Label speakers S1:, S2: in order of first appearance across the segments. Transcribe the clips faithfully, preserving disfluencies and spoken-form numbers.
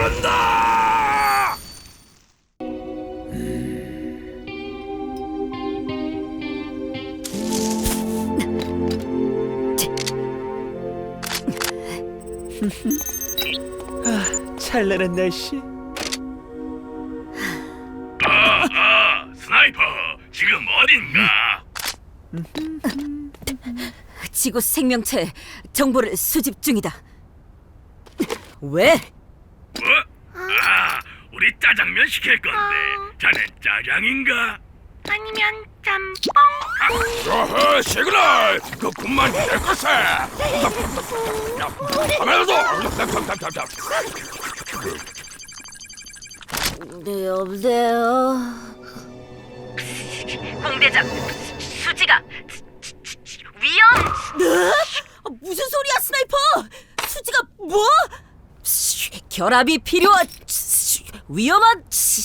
S1: 간다!
S2: 찬란한 날씨.
S1: 아하, 스나이퍼, 지금 어딘가?
S3: 지구 생명체 정보를 수집 중이다. 왜?
S1: 어? 아, 우리 짜장면 시킬 건데 자넨 짜장인가?
S4: 아니면 짬뽕?
S1: 어허, 시그널! 그 군만 될 것에! 하면서!
S3: 네, 여보세요.
S4: 공대장, 수지가 위험!
S3: 네? 아, 무슨 소리야, 스나이퍼? 수지가 뭐? 결합이 필요한 위험한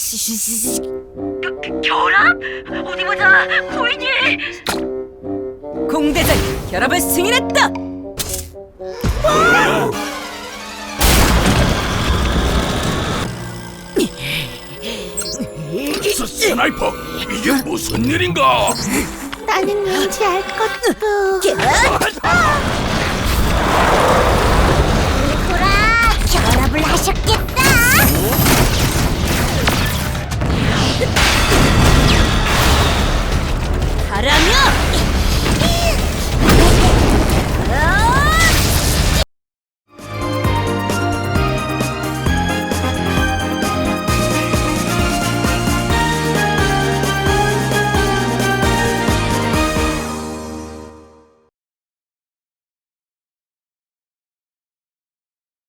S4: 그, 그, 결합? 어디 보자, 보이니?
S3: 공대장이 결합을 승인했다.
S1: 스, 스나이퍼, 이게 무슨 일인가?
S4: 나는 왠지 알 것도.